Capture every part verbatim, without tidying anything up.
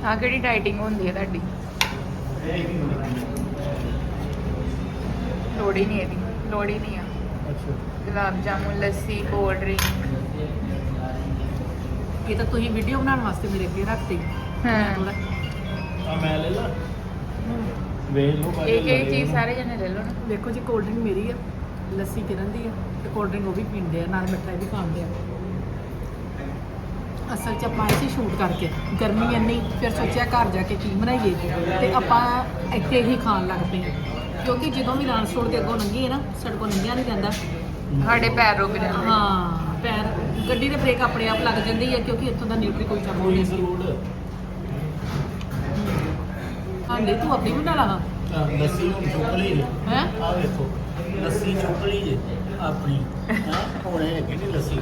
ਆ ਕਿਹੜੀ ਡਾਈਟਿੰਗ ਹੁੰਦੀ ਹੈ ਤੁਹਾਡੀ? ਲੋੜ ਹੀ ਨਹੀਂ ਇਹਦੀ, ਲੋੜ ਹੀ ਨਹੀਂ ਆ। ਅੱਛਾ ਗੁਲਾਬ ਜਾਮੁਨ, ਲੱਸੀ, ਕੋਲਡ ਡਰਿੰਕ। ਇਹ ਤਾਂ ਤੁਸੀਂ ਵੀਡੀਓ ਬਣਾਉਣ ਵਾਸਤੇ ਮੇਰੇ ਅੱਗੇ ਰੱਖਤੀ। ਹਾਂ ਆ ਮੈਂ ਲੈ ਲਾ ਵੇਖ ਲਓ ਬਾਕੀ ਇੱਕ ਇੱਕ ਚੀਜ਼ ਸਾਰੇ ਜਣੇ ਲੈ ਲਓ ਨਾ। ਦੇਖੋ ਜੀ ਕੋਲਡ ਡਰਿੰਕ ਮੇਰੀ ਆ, ਲੱਸੀ ਕਿਰਨ ਦੀ ਆ ਤੇ ਕੋਲਡ ਡਰਿੰਕ ਉਹ ਵੀ ਪੀਂਦੇ ਆ, ਨਾਲ ਮਿੱਠਾ ਵੀ ਖਾਂਦੇ ਆ। ਅਸਲ 'ਚ ਆਪਾਂ ਇਸੇ ਸ਼ੂਟ ਕਰਕੇ ਗਰਮੀ ਇੰਨੀ, ਫਿਰ ਸੋਚਿਆ ਘਰ ਜਾ ਕੇ ਕੀ ਬਣਾਈਏ ਤੇ ਆਪਾਂ ਇੱਥੇ ਹੀ ਖਾਣ ਲੱਗ ਪਏ ਹਾਂ। ਕਿਉਂਕਿ ਜਦੋਂ ਵੀ ਲਾਂਸ ਰੋਡ ਦੇ ਅੱਗੋਂ ਲੰਘੀਏ ਨਾ, ਸਾਡੇ ਕੋਲ ਲੰਘਿਆ ਨਹੀਂ ਜਾਂਦਾ। ਸਾਡੇ ਪੈਰ ਰੁਕ ਜਾਂਦੇ। ਹਾਂ ਪੈਰ, ਗੱਡੀ ਦੇ ਬ੍ਰੇਕ ਆਪਣੇ ਆਪ ਲੱਗ ਜਾਂਦੀ ਹੈ ਕਿਉਂਕਿ ਇੱਥੋਂ ਦਾ ਨਿਊਟਰੀ ਕੋਈ ਚਾਹ ਕੋਈ ਨਹੀਂ ਜ਼ਰੂਰ ਹਾਂਡੇ ਤੂੰ ਆਪਣੀ ਬਣਾ ਲਾ। ਲੱਸੀ ਹੁਣ ਚੁੱਕ ਲਈ ਜੇ ਹੈ ਆ ਵੇਖੋ ਲੱਸੀ ਚੁੱਕ ਲਈ ਜੇ ਆਪਣੀ ਹੈ ਹੁਣ ਇਹ ਕਿਹੜੀ ਲੱਸੀ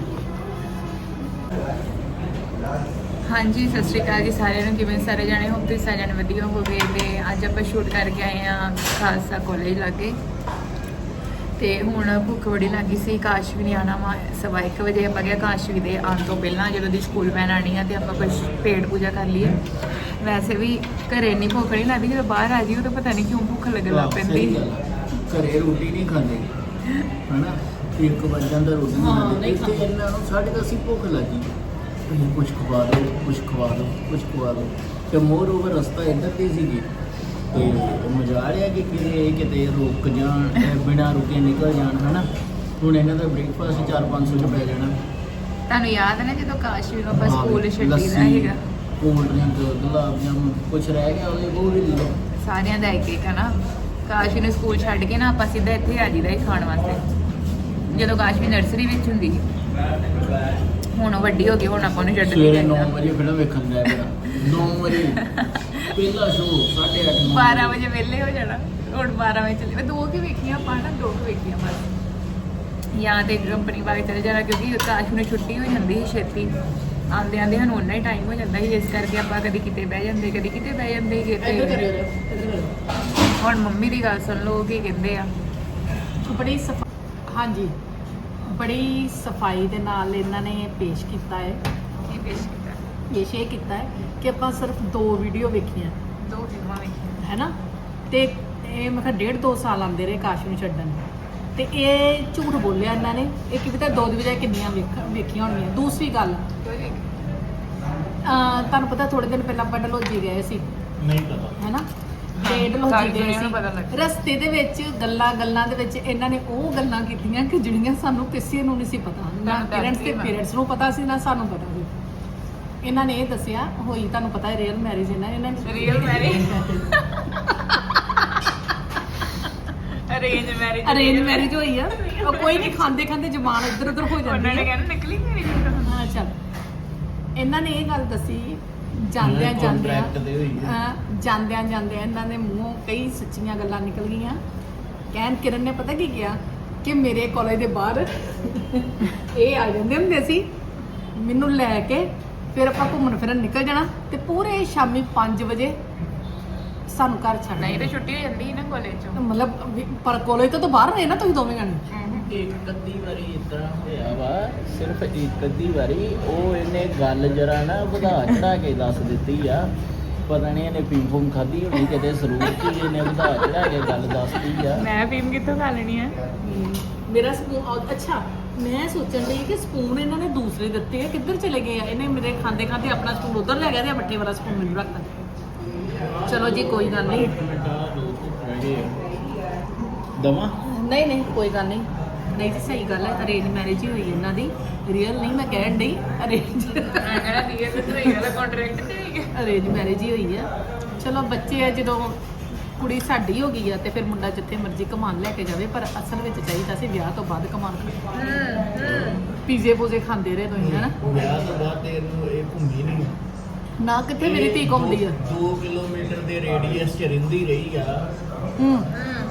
ਹਾਂਜੀ ਸਤਿ ਸ਼੍ਰੀ ਅਕਾਲ ਜੀ ਸਾਰਿਆਂ ਨੂੰ। ਕਿਵੇਂ ਸਾਰੇ ਜਾਣੇ ਹੋ? ਤੁਸੀਂ ਸਾਰੇ ਜਾਣੇ ਵਧੀਆ ਹੋਗੇ। ਤੇ ਅੱਜ ਆਪਾਂ ਸ਼ੂਟ ਕਰਕੇ ਆਏ ਆ ਖਾਲਸਾ ਕਾਲਜ ਲਾਗੇ। ਤੇ ਹੁਣ ਭੁੱਖ ਬੜੀ ਲੱਗੀ ਸੀ। ਕਾਸ਼ਵੀ ਨੇ ਆਉਣਾ ਵਾ ਸਵਾ ਇੱਕ ਵਜੇ। ਆਪਾਂ ਕਿਹਾ ਕਾਸ਼ਵੀ ਦੇ ਆਉਣ ਤੋਂ ਪਹਿਲਾਂ ਜਦੋਂ ਦੀ ਸਕੂਲ ਵੈਨ ਆਉਣੀ ਆ ਤੇ ਆਪਾਂ ਕੁਝ ਪੇਟ ਪੂਜਾ ਕਰ ਲਈਏ। ਵੈਸੇ ਵੀ ਘਰੇ ਨਹੀਂ ਭੁੱਖ ਨਹੀਂ ਲੱਗਦੀ, ਜਦੋਂ ਬਾਹਰ ਆ ਜਾਈਏ ਤਾਂ ਪਤਾ ਨਹੀਂ ਕਿਉਂ ਭੁੱਖ ਲੱਗਣ ਲੱਗ ਪੈਂਦੀ। ਘਰੇ ਰੋਟੀ ਨਹੀਂ ਖਾਂਦੇ ਹਨਾ, ਇੱਕ ਵੱਜ ਜਾਂਦਾ ਰੋਟੀ ਹਾਂ, ਨਹੀਂ ਨਹੀਂ ਖਾਂਦੇ। ਇਹਨਾਂ ਨੂੰ ਸਾਢੇ ਦਸ ਹੀ ਭੁੱਖ ਲੱਗੀ, ਤੁਸੀਂ ਕੁਝ ਖਵਾ ਦਿਓ ਕੁਝ ਖਵਾ ਦਿਓ ਕੁਝ ਖਵਾ ਦਿਓ। ਤੇ ਮੋਰ ਓਵਰ ਰਸਤਾ ਇੱਧਰ ਦੀ ਸੀਗੀ ਤੇ ਮਜ਼ਾ ਆ ਰਿਹਾ ਕਿ ਕਿਤੇ ਕਿਤੇ ਰੁਕ ਜਾਣ, ਬਿਨਾਂ ਰੁਕੇ ਨਿਕਲ ਜਾਣ ਹਨਾ। ਹੁਣ ਇਹਨਾਂ ਦਾ ਬ੍ਰੇਕਫਾਸਟ ਚਾਰ ਪੰਜ ਸੌ ਚ ਪੈ ਜਾਣਾ। ਤੁਹਾਨੂੰ ਯਾਦ ਹੈ ਨਾ ਜਦੋਂ ਕਾਸ਼ਵੀ ਨੂੰ ਆਪਾਂ ਸਕੂਲ ਛੱਡੀ ਦਾ ਲੱਸੀ, ਸੀਗਾ, ਕੋਲਡ ਡਰਿੰਕ, ਗੁਲਾਬ ਜਾਮੁਨ ਕੁਝ ਰਹਿ ਗਿਆ ਉਹਦੇ ਉਹ ਵੀ ਲੈ ਲਓ। ਸਾਰਿਆਂ ਦਾ ਇੱਕ ਇੱਕ ਹੈ ਨਾ। ਕਾਸ਼ਵੀ ਨੂੰ ਸਕੂਲ ਛੱਡ ਕੇ ਨਾ ਆਪਾਂ ਸਿੱਧਾ ਇੱਥੇ ਆ ਜੀਦਾ ਹੀ ਖਾਣ ਵਾਸਤੇ। ਜਦੋਂ ਕਾਸ਼ਵੀ ਨਰਸਰੀ ਵਿੱਚ ਹੁੰਦੀ ਸੀ, ਹੁਣ ਉਹ ਵੱਡੀ ਹੋ ਗਈ, ਹੁਣ ਆਪਾਂ ਨੂੰ ਛੱਡ ਕੇ ਸਵੇਰੇ ਨੌ ਜਾਈਦਾ। ਵਜੇ ਫਿਲਮ ਵੇਖਣ ਜਾਇਆ ਕਰਾਂ। ਨੌ ਵਜੇ ਪਹਿਲਾ ਸ਼ੋਅ, ਸਾਢੇ ਅੱਠ ਨੌ ਬਾਰਾਂ ਵਜੇ ਵਿਹਲੇ ਹੋ ਜਾਣਾ। ਹੁਣ ਬਾਰਾਂ ਵਜੇ ਚੱਲੇ, ਦੋ ਕੁ ਵੇਖੀਆਂ ਆਪਾਂ ਨਾ, ਦੋ ਕੁ ਵੇਖੀਆਂ ਬਸ। ਜਾਂ ਤੇ ਕੰਪਨੀ ਵਾਲੇ ਚਲੇ ਜਾਣਾ ਕਿਉਂਕਿ ਕਾਸ਼ ਨੂੰ ਛੁੱਟੀ ਹੋ ਜਾਂਦੀ ਸੀ ਛੇਤੀ। ਆਉਂਦੇ ਆਉਂਦੇ ਸਾਨੂੰ ਉਨਾ ਹੀ ਟਾਈਮ ਹੋ ਜਾਂਦਾ ਸੀ, ਇਸ ਕਰਕੇ ਆਪਾਂ ਕਦੀ ਕਿਤੇ ਬਹਿ ਜਾਂਦੇ ਕਦੀ ਕਿਤੇ ਬਹਿ ਜਾਂਦੇ ਸੀ। ਇੱਧਰ ਤੇ ਕਰਿਓ ਇੱਧਰ ਹੁਣ ਮੰਮੀ ਦੀ ਗੱਲ ਸੁਣ ਲਓ ਕੀ ਕਹਿੰਦੇ ਆ। ਬੜੀ ਸਫਾ ਹਾਂਜੀ ਬੜੀ ਸਫਾਈ ਦੇ ਨਾਲ ਇਹਨਾਂ ਨੇ ਪੇਸ਼ ਕੀਤਾ ਹੈ। ਕੀ ਪੇਸ਼ ਕੀਤਾ? ਪੇਸ਼ ਇਹ ਕੀਤਾ ਹੈ ਕਿ ਆਪਾਂ ਸਿਰਫ ਦੋ ਵੀਡੀਓ ਵੇਖੀਆਂ ਦੋ ਫਿਲਮਾਂ ਵੇਖੀਆਂ। ਹੈ ਨਾ। ਤੇ ਇਹ ਮੈਂ ਕਿਹਾ ਡੇਢ ਦੋ ਸਾਲ ਆਉਂਦੇ ਰਹੇ ਕਾਸ਼ ਨੂੰ ਛੱਡਣ, ਤੇ ਇਹ ਝੂਠ ਬੋਲਿਆ ਇਹਨਾਂ ਨੇ। ਇਹ ਕੀ ਪਤਾ ਦੋ ਦੀ ਵਜ੍ਹਾ ਕਿੰਨੀਆਂ ਵੇਖ ਵੇਖੀਆਂ ਹੋਣਗੀਆਂ। ਦੂਸਰੀ ਗੱਲ, ਅਹ ਤੁਹਾਨੂੰ ਪਤਾ ਥੋੜੇ ਦਿਨ ਪਹਿਲਾਂ ਆਪਾਂ ਡਲਹੌਜੀ ਗਏ ਸੀ ਨਹੀਂ ਪਤਾ ਹੈ ਨਾ। ਹਾਂ, ਤੇ ਡਲਹੌਜੀ ਸਾਰੀ ਗਏ ਦੁਨੀਆ ਨੂੰ ਪਤਾ ਲੱਗ ਸੀ, ਗਿਆ। ਰਸਤੇ ਦੇ ਵਿੱਚ ਗੱਲਾਂ ਗੱਲਾਂ ਦੇ ਵਿੱਚ ਇਹਨਾਂ ਨੇ ਉਹ ਗੱਲਾਂ ਕੀਤੀਆਂ ਕਿ ਜਿਹੜੀਆਂ ਸਾਨੂੰ ਕਿਸੇ ਨੂੰ ਨਹੀਂ ਸੀ ਪਤਾ, ਨਾ ਤੁਹਾਨੂੰ ਪੇਰੈਂਟਸ ਤੇ ਦੱਸਦੀ ਮੈਂ। ਪੇਰੈਂਟਸ ਨੂੰ ਪਤਾ ਸੀ, ਨਾ ਸਾਨੂੰ ਪਤਾ ਸੀ। ਇਹਨਾਂ ਨੇ ਇਹ ਦੱਸਿਆ ਹੋਈ, ਤੁਹਾਨੂੰ ਪਤਾ ਹੈ ਰੀਅਲ ਮੈਰਿਜ ਇਹਨਾਂ ਇਹਨਾਂ ਨੇ real marriage arrange marriage arrange marriage ਹੋਈ ਆ। ਉਹ ਕੋਈ ਨਹੀਂ, ਖਾਂਦੇ ਖਾਂਦੇ ਜ਼ਬਾਨ ਇੱਧਰ ਉੱਧਰ ਹੋ ਜਾਂਦੀ ਉਹਨਾਂ ਨੇ ਹੈ। ਕਹਿਣਾ ਨਕਲੀ ਮੈਰਿਜ। ਹਾਂ ਚੱਲ, ਇਹਨਾਂ ਨੇ ਇਹ ਗੱਲ ਦੱਸੀ ਜਾਂਦਿਆਂ ਜਾਂਦਿਆਂ Contract ਤੇ ਹੋਈ ਹੈ। ਹਾਂ, ਜਾਂਦਿਆਂ ਜਾਂਦਿਆਂ ਇਹਨਾਂ ਦੇ ਮੂੰਹੋਂ ਕਈ ਸੱਚੀਆਂ ਗੱਲਾਂ ਨਿਕਲ ਗਈਆਂ। ਕਹਿਣ ਕਿਰਨ ਨੇ ਪਤਾ ਕੀ ਕਿਹਾ ਕਿ ਮੇਰੇ ਕਾਲਜ ਦੇ ਬਾਹਰ ਇਹ ਆ ਜਾਂਦੇ ਹੁੰਦੇ ਸੀ ਮੈਨੂੰ ਲੈ ਕੇ, ਫਿਰ ਆਪਾਂ ਘੁੰਮਣ ਫਿਰਨ ਨਿਕਲ ਜਾਣਾ ਤੇ ਪੂਰੇ ਸ਼ਾਮੀ ਪੰਜ ਵਜੇ ਸਾਨੂੰ ਘਰ ਛੱਡ ਨਹੀਂ ਤੇ ਦੇਣਾ। ਛੁੱਟੀ ਹੋ ਜਾਂਦੀ ਸੀ ਨਾ ਕਾਲਜ ਚੋਂ। ਮਤਲਬ ਵੀ- ਪਰ ਕਾਲਜ ਤੋਂ ਤਾਂ ਬਾਹਰ ਰਹੇ ਨਾ ਤੁਸੀਂ ਦੋਵੇਂ ਜਾਣੇ। ਇੱਕ ਅੱਧੀ ਵਾਰੀ ਇਦਾਂ ਹੋਇਆ ਵਾ, ਸਿਰਫ ਇੱਕ ਅੱਧੀ ਵਾਰੀ ਉਹ ਇਹਨੇ ਗੱਲ ਜਰਾ ਨਾ ਵਧਾ ਚੜਾ ਕੇ ਦੱਸ ਦਿੱਤੀ ਆ। ਪਤਾ ਨਹੀਂ ਇਹਨੇ ਪੀਂ ਫੂਮ ਖਾਧੀ ਹੋਣੀ ਕਿਤੇ ਸਰੂਰ ਚ, ਇਹਨੇ ਵਧਾ ਚੜਾ ਕੇ ਗੱਲ ਦੱਸਦੀ ਆ। ਮੈਂ ਫੀਮ ਕਿੱਥੋਂ ਖਾ ਲੈਣੀ ਆ? ਮੇਰਾ ਸਪੂਨ, ਅੱਛਾ ਮੈਂ ਸੋਚਣ ਲਈ ਕਿ ਸਪੂਨ ਇਹਨਾਂ ਨੇ ਦੂਸਰੇ ਦਿੱਤੇ ਆ, ਕਿੱਧਰ ਚਲੇ ਗਏ ਆ। ਇਹਨੇ ਮੇਰੇ ਖਾਂਦੇ ਖਾਂਦੇ ਆਪਣਾ ਸਪੂਨ ਉਧਰ ਲੈ ਗਿਆ ਤੇ ਮੱਠੇ ਵਾਲਾ ਸਪੂਨ ਮੈਨੂੰ ਰੱਖਤਾ। ਚਲੋ ਜੀ ਕੋਈ ਗੱਲ ਨਹੀਂ, ਦਵਾ ਨਹੀਂ ਨਹੀਂ ਕੋਈ ਗੱਲ ਨਹੀਂ। ਨਹੀਂ ਜੀ ਸਹੀ ਗੱਲ ਹੈ, ਅਰੇਂਜ ਮੈਰਿਜ ਹੀ ਹੋਈ ਇਹਨਾਂ ਦੀ, ਰੀਅਲ ਨਹੀਂ ਮੈਂ ਕਹਿਣ ਡਈ। ਅਰੇਂਜ ਮੈਂ ਕਿਹੜਾ ਰੀਅਲ ਤੇ ਹੋਈ ਵਾਲਾ ਕੰਟਰੈਕਟ ਤੇ ਹੋਈ ਗਿਆ। ਅਰੇਂਜ ਮੈਰਿਜ ਹੀ ਹੋਈ ਆ। ਚਲੋ ਬੱਚੇ ਆ, ਜਦੋਂ ਕੁੜੀ ਸਾਡੀ ਹੋ ਗਈ ਆ ਤੇ ਫਿਰ ਮੁੰਡਾ ਜਿੱਥੇ ਮਰਜ਼ੀ ਕਮਾਨ ਲੈ ਕੇ ਜਾਵੇ, ਪਰ ਅਸਲ ਵਿੱਚ ਚਾਹੀਦਾ ਸੀ ਵਿਆਹ ਤੋਂ ਬਾਅਦ ਕਮਾਨ। ਪੀਜ਼ੇ ਪੂਜ਼ੇ ਖਾਂਦੇ ਰਹੇ ਤੁਸੀਂ ਹੈ ਨਾ। ਵਿਆਹ ਤੋਂ ਬਾਅਦ ਤੇ ਇਹਨੂੰ ਇਹ ਘੁੰਮੀ ਨਹੀਂ ਨਾ ਕਿੱਥੇ ਮੇਰੀ ਧੀ ਘੁੰਮਦੀ ਆ। ਦੋ ਕਿਲੋਮੀਟਰ ਦੇ ਰੇਡੀਅਸ ਚ ਰਹਿੰਦੀ ਰਹੀ ਆ ਹੂੰ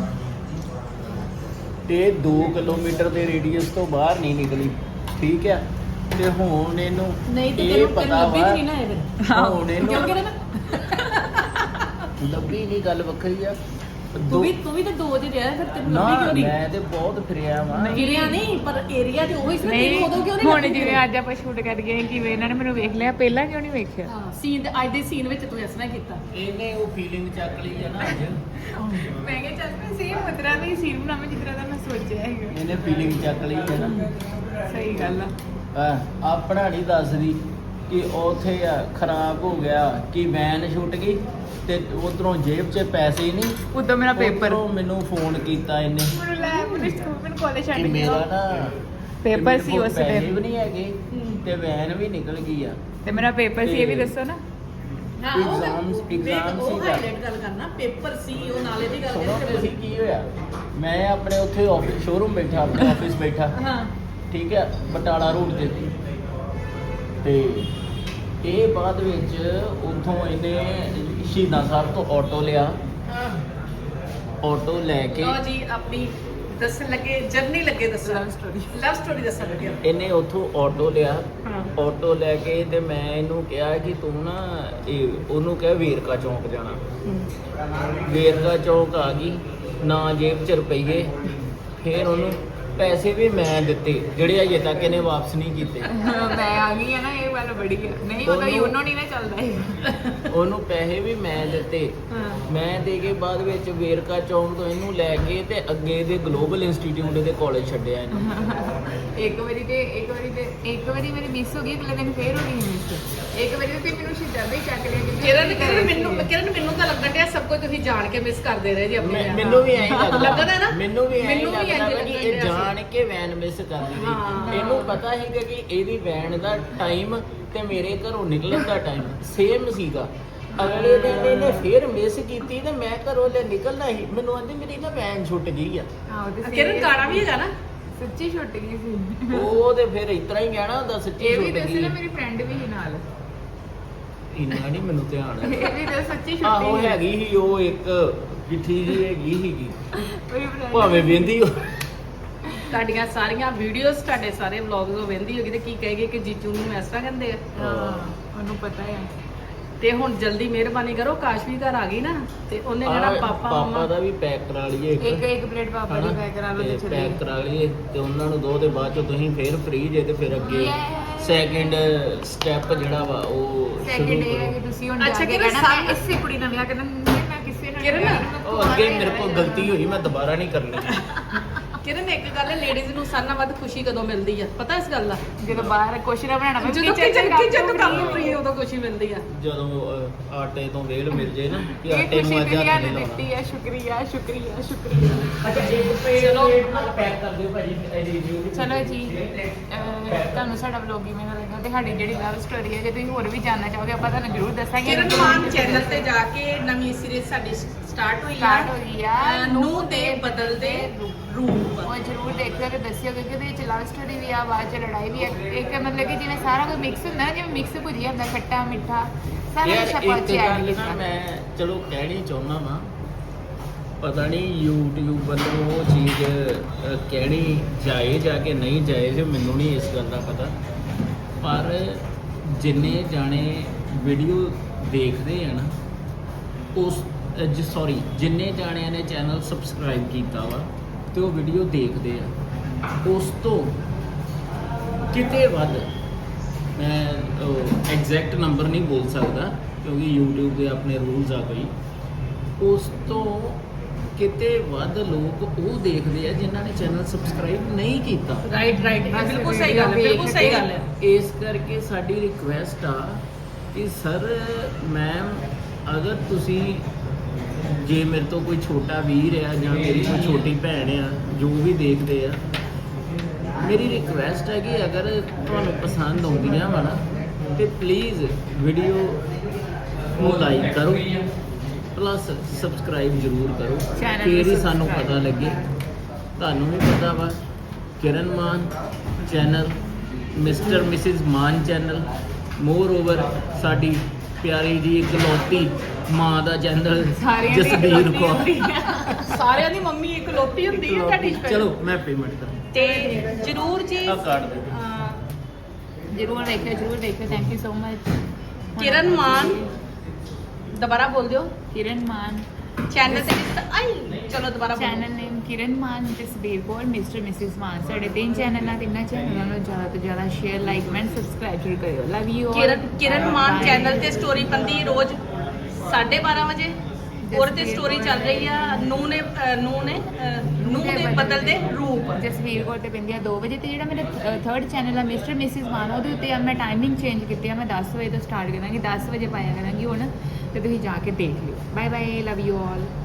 ਤੇ ਦੋ ਕਿਲੋਮੀਟਰ ਦੇ ਰੇਡੀਅਸ ਤੋਂ ਬਾਹਰ ਨਹੀਂ ਨਿਕਲੀ, ਠੀਕ ਆ। ਤੇ ਹੁਣ ਇਹਨੂੰ ਨਹੀਂ ਤੇ ਇਹ ਤੈਨੂੰ ਪਤਾ ਤੈਨੂੰ ਲੱਭੀ ਵਾ ਨਹੀਂ ਨਾ ਇਹ ਫਿਰ। ਹੁਣ ਇਹਨੂੰ ਕਿਉਂਕਿ ਨਾ ਲੱਭੀ ਨਹੀਂ, ਗੱਲ ਵੱਖਰੀ ਆ। ਤੂੰ ਵੀ ਤੂੰ ਵੀ ਤਾਂ ਦੋ ਚ ਰਿਹਾ ਫਿਰ ਤੈਨੂੰ ਨਾ ਲੱਭੀ ਕਿਉਂ ਨਹੀਂ ਮੈਂ ਤੇ ਬਹੁਤ ਫਿਰਿਆ ਵਾਂ ਗਿਰਿਆ ਨਹੀਂ ਪਰ ਏਰੀਆ ਤੇ ਉਹੀ ਸੀ ਨਾ, ਨਹੀਂ ਤੈਨੂੰ ਉਦੋਂ ਕਿਉਂ ਨਹੀਂ ਹੁਣ ਲੱਭੀ? ਜਿਵੇਂ ਅੱਜ ਆਪਾਂ ਸ਼ੂਟ ਕਰ ਗਏ ਕਿਵੇਂ ਇਹਨਾਂ ਨੇ ਮੈਨੂੰ ਵੇਖ ਲਿਆ ਪਹਿਲਾਂ ਕਿਉਂ ਨਹੀਂ ਵੇਖਿਆ ਹਾਂ ਸੀਨ ਦੇ ਅੱਜ ਦੇ ਸੀਨ ਵਿੱਚ ਤੂੰ ਇਸ ਤਰ੍ਹਾਂ ਕੀਤਾ ਇਹਨੇ ਉਹ ਫੀਲਿੰਗ ਚੱਕ ਲਈ ਹੈ ਨਾ ਅੱਜ ਮੈਂ ਕਿਹਾ ਚੱਲ ਮੈਂ ਸੇਮ ਉਤਰਾ ਨਹੀਂ ਸੀਨ ਬਣਾਵਾਂ ਜਿਸ ਤਰ੍ਹਾਂ ਦਾ ਮੈਂ ਸੋਚਿਆ ਹੈਗਾ ਇਹਨੇ ਫੀਲਿੰਗ ਚੱਕ ਲਈ ਹੈ ਨਾ ਸਹੀ ਗੱਲ ਆ ਆ ਆਪਣਾ ਨਹੀਂ ਦੱਸਦੀ ਕਿ ਉੱਥੇ ਆ ਖਰਾਬ ਹੋ ਗਿਆ ਕਿ ਵੈਨ ਛੁੱਟ ਗਈ ਤੇ ਉਧਰੋਂ ਜੇਬ 'ਚ ਪੈਸੇ ਹੀ ਨਹੀਂ ਉਦੋਂ ਮੇਰਾ ਪੇਪਰ ਉੱਧਰੋਂ ਮੈਨੂੰ ਫੋਨ ਕੀਤਾ ਇਹਨੇ ਮੈਨੂੰ ਲੈ ਮੈਨੂੰ ਸਕੂਲ ਮੈਨੂੰ ਕਾਲਜ ਛੱਡ ਕਿ ਕੇ ਮੇਰਾ ਆਓ। ਨਾ ਪੇਪਰ ਕਿ ਸੀ ਮੇਰੇ ਉਸ ਕੋਲ ਪੈਸੇ time। ਵੀ ਨਹੀਂ ਹੈਗੇ ਤੇ ਵੈਨ ਵੀ ਨਿਕਲ ਗਈ ਆ ਤੇ ਮੇਰਾ ਪੇਪਰ ਸੀ ਇਹ ਵੀ ਦੱਸੋ ਨਾ ਹਾਂ ਉਹ Exams- exams ਉਹ ਸੀਗਾ। ਹਾਈਲਾਈਟ ਗੱਲ ਕਰਨਾ ਪੇਪਰ ਸੀ ਉਹ ਨਾਲੇ ਦੀ ਗੱਲ ਸੁਣੋ ਕਰ ਤੇ ਸੀ ਕੀ ਹੋਇਆ ਮੈਂ ਆਪਣੇ ਉੱਥੇ ਆਫਿਸ ਸ਼ੋਰੂਮ ਬੈਠਾ ਆਪਣੇ ਆਫਿਸ ਬੈਠਾ ਹਾਂ ਠੀਕ ਹੈ ਬਟਾਲਾ ਰੋਡ ਤੇ ਤੇ ਇਹ ਬਾਅਦ ਵਿੱਚ ਉੱਥੋਂ ਇਹਨੇ ਸ਼ਹੀਦਾਂ ਸਾਹਿਬ ਤੋਂ ਆਟੋ ਲਿਆ ਆਟੋ ਲੈ ਕੇ ਲਓ ਜੀ ਆਪਣੀ ਦੱਸਣ ਲੱਗੇ ਜਰਨੀ ਲੱਗੇ ਦੱਸਣ Love story। ਲਵ ਸਟੋਰੀ ਦੱਸਣ ਲੱਗੇ ਇਹਨੇ ਉੱਥੋਂ ਆਟੋ ਲਿਆ ਹਾਂ ਆਟੋ ਲੈ ਕੇ ਤੇ ਮੈਂ ਇਹਨੂੰ ਕਿਹਾ ਕਿ ਤੂੰ ਨਾ ਇਹ ਉਹਨੂੰ ਕਹਿ ਵੇਰਕਾ ਚੌਂਕ ਜਾਣਾ ਵੇਰਕਾ ਚੌਂਕ ਆ ਗਈ ਨਾ ਜੇਬ 'ਚ ਰੁਪਈਏ ਫਿਰ ਉਹਨੂੰ ਪੈਸੇ ਵੀ ਮੈਂ ਦਿੱਤੇ ਜਿਹੜੇ ਅਜੇ ਤੱਕ ਇਹਨੇ ਵਾਪਸ ਨਹੀਂ ਕੀਤੇ ਮੈਂ ਆ ਗਈ ਆ ਨਾ ਇਹ ਵਾਲਾ ਬੜੀ ਆ ਨਹੀਂ ਉਹਦਾ ਉਹਨੂੰ- ਯੂਨੋ ਨਹੀਂ ਨਾ ਚੱਲਦਾ ਇਹ ਉਹਨੂੰ ਪੈਸੇ ਵੀ ਮੈਂ ਦਿੱਤੇ ਹਾਂ ਮੈਂ ਦੇ ਕੇ ਬਾਅਦ ਵਿੱਚ ਵੇਰਕਾ ਚੌਂਕ ਤੋਂ ਇਹਨੂੰ ਲੈ ਕੇ ਤੇ ਅੱਗੇ ਦੇ ਗਲੋਬਲ ਇੰਸਟੀਚਿਊਟ ਦੇ ਕਾਲਜ ਛੱਡਿਆ ਇਹਨੂੰ ਇੱਕ ਵਾਰੀ ਤੇ ਇੱਕ ਵਾਰੀ ਤੇ ਇੱਕ ਵਾਰੀ ਮੇਰੀ ਮਿਸ ਹੋ ਗਈ ਅਗਲੇ ਦਿਨ ਫੇਰ ਹੋ ਗਈ ਮਿਸ ਇੱਕ ਵਾਰੀ ਤੇ ਮੈਨੂੰ ਸ਼ਿੱਦਾ ਵੀ ਚੱਕ ਲਿਆ ਕਿ ਕਿਰਨ ਕਿਰਨ ਮੈਨੂੰ ਕਿਰਨ ਮੈਨੂੰ ਤਾਂ ਲੱਗਣ ਡਿਆ ਸਭ ਕੁਝ ਤੁਸੀਂ ਜਾਣ ਕੇ ਮਿਸ ਕਰਦੇ ਰਹੇ ਜੀ ਆਪਣੇ ਮੈਂ- ਵਿਆਹ ਮੈਨੂੰ ਵੀ ਐਂ ਲੱਗਦਾ ਲੱਗਦਾ ਨਾ? ਮੈਨੂੰ ਵੀ ਐਂ ਮੈਨੂੰ ਵੀ ਲੱਗਦਾ ਇੰਝ ਕਿ ਲੱਗਣ ਇਹ ਡਿਆ ਸੀ। ਜਾਣ ਕੇ ਵੈਨ ਮਿਸ ਕਰਦੀ ਹਾਂ। ਸੀ ਇਹਨੂੰ ਪਤਾ ਸੀਗਾ ਕਿ ਇਹਦੀ ਵੈਨ ਦਾ ਟਾਈਮ ਤੇ ਮੇਰੇ ਘਰੋਂ ਨਿਕਲਣ ਦਾ ਟਾਈਮ ਸੇਮ ਸੀਗਾ ਅਗਲੇ ਦਿਨ ਇਹਨੇ ਫੇਰ ਮਿਸ ਕੀਤੀ ਤੇ ਮੈਂ ਘਰੋਂ ਲੈ ਨਿਕਲਣਾ ਸੀ ਮੈਨੂੰ ਆਂਦੀ ਮੇਰੀ ਨਾ ਵੈਨ ਛੁੱਟ ਗਈ ਆ ਹਾਂ ਉਹ ਤੇ ਕਿਰਨ ਗਾਣਾ ਵੀ ਹੈਗਾ ਨਾ ਸੱਚੀ ਛੁੱਟ ਗਈ ਸੀ ਉਹ ਤੇ ਫਿਰ ਇਤਰਾ ਹੀ ਕਹਿਣਾ ਹੁੰਦਾ ਸੱਚੀ ਇਹ ਵੀ ਛੁੱਟ ਦੱਸ ਗਈ ਨਾ ਮੇਰੀ ਫਰੈਂਡ ਵੀ ਸੀ ਨਾਲ ਇੰਨਾ ਨਹੀਂ ਮੈਨੂੰ ਧਿਆਨ ਹੈ ਇਹ ਵੀ ਦੱਸ ਸੱਚੀ ਛੁੱਟੀ ਆਹੋ ਸੀ। ਹੈਗੀ ਸੀ ਉਹ ਇੱਕ ਗਿੱਠੀ ਜੀ ਹੈਗੀ ਸੀਗੀ ਮੇਰੀ friend ਭਾਵੇਂ ਵੇਂਦੀ ਤੁਹਾਡੀਆਂ ਸਾਰੀਆਂ ਵੀਡੀਓਜ਼ ਤੁਹਾਡੇ ਸਾਰੇ ਵਲੌਗਸ ਉਹ ਵੇਂਦੀ ਹੋਗੀ ਤੇ ਕੀ ਕਹੇਗੀ ਕਿ ਜੀਜੂ ਨੂੰ ਇਸ ਤਰ੍ਹਾਂ ਕਹਿੰਦੇ ਆ ਹਾਂ ਉਹਨੂੰ ਪਤਾ ਹੈ ਤੇ ਹੁਣ ਜਲਦੀ ਮਿਹਰਬਾਨੀ ਕਰੋ ਕਾਸ਼ ਵੀ ਘਰ ਆ ਗਈ ਨਾ ਤੇ ਉਹਨੇ ਕਹਿਣਾ ਪਾਪਾ ਪਾਪਾ ਮਮਾ ਦਾ ਵੀ ਪੈਕ ਕਰਾ ਲਈਏ ਇੱਕ ਇੱਕ ਪਲੇਟ ਪਾਪਾ ਦੀ ਪੈਕ ਕਰਾ ਲਓ ਤੇ ਚਲੇ ਪੈਕ ਕਰਾ ਲਈਏ ਤੇ ਉਹਨਾਂ ਨੂੰ ਦੋ ਦੇ ਬਾਅਦ ਚ ਤੁਸੀਂ ਫੇਰ ਫ੍ਰੀ ਜੇ ਤੇ ਫਿਰ ਅੱਗੇ Yes. ਸੈਕਿੰਡ ਸਟੈਪ ਜਿਹੜਾ ਵਾ ਉਹ ਸੈਕਿੰਡ ਸ਼ੁਰੂ ਇਹ ਹੈ ਕਰੋ ਕਿ ਤੁਸੀਂ ਹੁਣ ਅੱਛਾ, ਜਾ ਕੇ ਕਿਰਨ ਕਹਿਣਾ ਮੈਂ ਸਾ- ਇਸੇ ਕੁੜੀ ਨਾਲ ਵਿਆਹ ਕਰਨਾ ਨਹੀਂ, ਮੈਂ ਕਿਸੇ ਨਾਲ ਕਿਰਨ, ਵਿਆਹ ਨਹੀਂ ਕਰਨਾ, ਉਹ ਅੱਗੇ ਮੇਰੇ ਕੋਲ ਗਲਤੀ ਹੋਈ ਮੈਂ ਦੁਬਾਰਾ ਨਹੀਂ ਕਰਨੀ ਕਿਰਨ ਇੱਕ ਗੱਲ ਹੈ ਲੇਡੀਜ਼ ਨੂੰ ਸਾਰਿਆਂ ਨਾਲੋਂ ਵੱਧ ਖੁਸ਼ੀ ਕਦੋਂ ਮਿਲਦੀ ਆ ਪਤਾ ਇਸ ਗੱਲ ਦਾ ਜਦੋਂ ਬਾਹਰ ਕੁਛ ਨਾ ਬਣਾਉਣਾ ਪਵੇ, ਜਦੋਂ kitchen ਕਿਚਨ ਚ ਕਿਚਨ ਕੰਮ ਕੰਮ free ਫ੍ਰੀ ਉਦੋਂ ਖੁਸ਼ੀ ਮਿਲਦੀ ਆ ਜਦੋਂ ਅਹ, ਆਟੇ ਤੋਂ ਵੇਲ ਮਿਲ ਜੇ ਨਾ ਕਿ ਇਹ ਆਟੇ ਨੂੰ ਖੁਸ਼ੀ ਅੱਜ ਮੇਰੀ ਹੱਥ ਨੇ ਨਹੀਂ ਲਾਉਣਾ ਦਿੱਤੀ ਹੈ ਸ਼ੁਕਰੀਆ ਸ਼ੁਕਰੀਆ ਸ਼ੁਕਰੀਆ ਅੱਛਾ ਇੱਕ ਪਲੇਟ ਚਲੋ। ਨਾਲ ਪੈਕ ਕਰ ਦਿਓ ਭਾਜੀ ਇਹਦੀ ਰਿਵਿਊ ਚਲੋ ਜੀ ਅਹ, ਤੁਹਾਨੂੰ ਸਾਡਾ ਵਲੌਗ ਕਿਵੇਂ ਦਾ ਲੱਗਾ ਤੇ ਸਾਡੀ ਜਿਹੜੀ ਲਵ ਸਟੋਰੀ ਹੈ ਜੇ ਤੁਸੀਂ ਹੋਰ ਵੀ ਜਾਣਨਾ ਚਾਹੋਗੇ ਆਪਾਂ ਤੁਹਾਨੂੰ ਜ਼ਰੂਰ ਦੱਸਾਂਗੇ ਕਿਰਨ ਮਾਨ ਚੈਨਲ ਤੇ ਜਾ ਕੇ ਨਵੀਂ ਸੀਰੀਜ਼ ਸਾਡੀ ਸਟਾਰਟ ਹੋਈ ਆ Start ਹੋਈ ਆ। ਅਹ, ਨੂੰਹ ਦੇ ਬਦਲਦੇ ਰੂਪ ਉਹ ਜ਼ਰੂਰ ਦੇਖਿਓ ਤੇ ਦੱਸਿਓ ਕਿਉਂਕਿ ਉਹਦੇ ਵਿੱਚ ਲਵ ਸਟੋਰੀ ਵੀ ਆ ਬਾਅਦ ਚ ਲੜਾਈ ਵੀ ਆ ਇੱਕ ਮਤਲਬ ਕਿ ਜਿਵੇਂ ਸਾਰਾ ਕੁਝ ਮਿਕਸ ਹੁੰਦਾ ਨਾ ਜਿਵੇਂ ਮਿਕਸ ਭੁਜੀਆ ਹੁੰਦਾ ਖੱਟਾ ਮਿੱਠਾ ਸਾਰਾ ਯਾਰ ਕੁਝ ਇੱਕ ਆਪਾਂ ਚ ਐਡ ਗੱਲ ਨਾ ਕੀਤਾ ਮੈਂ ਚਲੋ ਕਹਿਣੀ ਚਾਹੁੰਦਾ ਵਾਂ ਪਤਾ ਨਹੀਂ YouTube ਵੱਲੋਂ ਉਹ ਚੀਜ਼ ਅਹ, ਕਹਿਣੀ ਜਾਇਜ਼ ਆ ਕਿ ਨਹੀਂ ਜਾਇਜ਼ ਮੈਨੂੰ ਨਹੀਂ ਇਸ ਗੱਲ ਦਾ ਪਤਾ ਪਰ ਜਿੰਨੇ ਜਾਣੇ ਵੀਡੀਓ ਦੇਖਦੇ ਆ ਨਾ ਉਸ ਸੌਰੀ ਜਿੰਨੇ ਜਾਣਿਆਂ ਨੇ ਚੈਨਲ ਸਬਸਕ੍ਰਾਈਬ ਕੀਤਾ ਵਾ ਤੇ ਉਹ ਵੀਡੀਓ ਦੇਖਦੇ ਆ ਉਸ ਤੋਂ ਕਿਤੇ ਵੱਧ ਮੈਂ ਐਗਜ਼ੈਕਟ ਨੰਬਰ ਨਹੀਂ ਬੋਲ ਸਕਦਾ ਕਿਉਂਕਿ YouTube ਦੇ ਆਪਣੇ ਰੂਲਸ ਆ ਕੋਈ ਉਸ ਤੋਂ ਕਿਤੇ ਵੱਧ ਲੋਕ ਉਹ ਦੇਖਦੇ ਆ ਜਿਨ੍ਹਾਂ ਨੇ ਚੈਨਲ ਸਬਸਕ੍ਰਾਈਬ ਨਹੀਂ ਕੀਤਾ ਰਾਈਟ ਰਾਈਟ ਬਿਲਕੁਲ ਸਹੀ ਗੱਲ ਹੈ ਬਿਲਕੁਲ ਸਹੀ ਗੱਲ ਹੈ ਇਸ ਕਰਕੇ ਸਾਡੀ ਰਿਕੁਐਸਟ ਆ ਕਿ ਸਰ ਮੈਮ ਅਗਰ ਤੁਸੀਂ ਜੇ ਮੇਰੇ ਤੋਂ ਕੋਈ ਛੋਟਾ ਵੀਰ ਆ ਜਾਂ ਮੇਰੀ ਕੋਈ ਛੋਟੀ ਭੈਣ ਆ ਜੋ ਵੀ ਦੇਖਦੇ ਆ ਮੇਰੀ ਰਿਕੁਐਸਟ ਹੈ ਕਿ ਅਗਰ ਤੁਹਾਨੂੰ ਪਸੰਦ ਆਉਂਦੀਆਂ ਵਾ ਨਾ ਤੇ ਪਲੀਜ਼ ਵੀਡੀਓ ਨੂੰ ਲਾਈਕ ਕਰੋ ਪਲੱਸ ਸਬਸਕ੍ਰਾਈਬ ਜ਼ਰੂਰ ਕਰੋ Channel ਫਿਰ ਹੀ ਨੂੰ ਸਾਨੂੰ subscribe ਪਤਾ ਲੱਗੇ ਤੁਹਾਨੂੰ ਵੀ ਪਤਾ ਵਾ Kiran Mann channel mister missus Mann channel moreover ਸਾਡੀ ਪਿਆਰੀ ਜੀ ਇਕਲੌਤੀ ਮਾਂ ਦਾ ਚੈਨਲ ਸਾਰਿਆਂ ਦੀ ਜਸਬੀਰ ਇਕਲੌਤੀ ਕੌਰ ਹੁੰਦੀ ਆ। ਸਾਰਿਆਂ ਦੀ ਮੰਮੀ ਇੱਕ ਲੋਤੀ ਹੁੰਦੀ ਹੈ ਤੁਹਾਡੀ special। ਚਲੋ ਮੈਂ ਪੇਮੈਂਟ ਕਰਾਂ ਤੇ ਜਰੂਰ ਜੀ ਆ ਕਾਰਡ ਦੇ ਦਿਓ। ਅਹ, ਜ਼ਰੂਰ ਦੇਖਿਓ ਜ਼ਰੂਰ ਦੇਖਿਓ thank you so much Kiran Mann ਦੁਬਾਰਾ ਬੋਲ ਦਿਓ ਕਿਰਨ ਮਾਨ ਚੈਨਲ ਤੇ ਆਈ ਚਲੋ ਦੁਬਾਰਾ ਬੋਲੋ। Channel name Kiran Mann Jasbir Kaur mister missus Mann. ਸਾਡੇ ਤਿੰਨ ਚੈਨਲ ਆ, ਤਿੰਨਾਂ ਚੈਨਲਾਂ ਨੂੰ ਜ਼ਿਆਦਾ ਤੋਂ ਜ਼ਿਆਦਾ ਸ਼ੇਅਰ ਲਾਈਕ ਕਮੈਂਟ ਸਬਸਕ੍ਰਾਈਬ ਜ਼ਰੂਰ ਕਰਿਓ। Love you Kiran Kiran Mann channel ਤੇ ਸਟੋਰੀ ਪੰਦੀ ਰੋਜ਼ ਸਾਢੇ ਬਾਰਾਂ ਵਜੇ ਉਹਦੇ ਤੇ ਸਟੋਰੀ ਚੱਲ ਰਹੀ ਆ ਨੂੰ ਨੇ ਅਹ ਨੂੰ ਨੇ ਨੂੰ ਦੇ ਬਦਲਦੇ ਰੂਪ। ਜਸਵੀਰ ਕੌਰ ਤੇ ਪੈਂਦੀ ਆ ਦੋ ਵਜੇ ਤੇ ਜਿਹੜਾ ਮੇਰਾ ਥਰਡ ਚੈਨਲ ਆ ਮਿਸਟਰ ਮਿਸਿਸ ਮਾਨ ਉਹਦੇ ਉੱਤੇ ਮੈਂ ਟਾਈਮਿੰਗ ਚੇਂਜ ਕੀਤੀ ਆ, ਮੈਂ ਦਸ ਵਜੇ ਤੋਂ ਸਟਾਰਟ ਕਰਾਂਗੀ, ਦਸ ਵਜੇ ਪਾਇਆ ਕਰਾਂਗੀ ਹੁਣ, ਤੇ ਤੁਸੀਂ ਜਾ ਕੇ ਦੇਖ ਲਿਓ। Bye bye, love you all.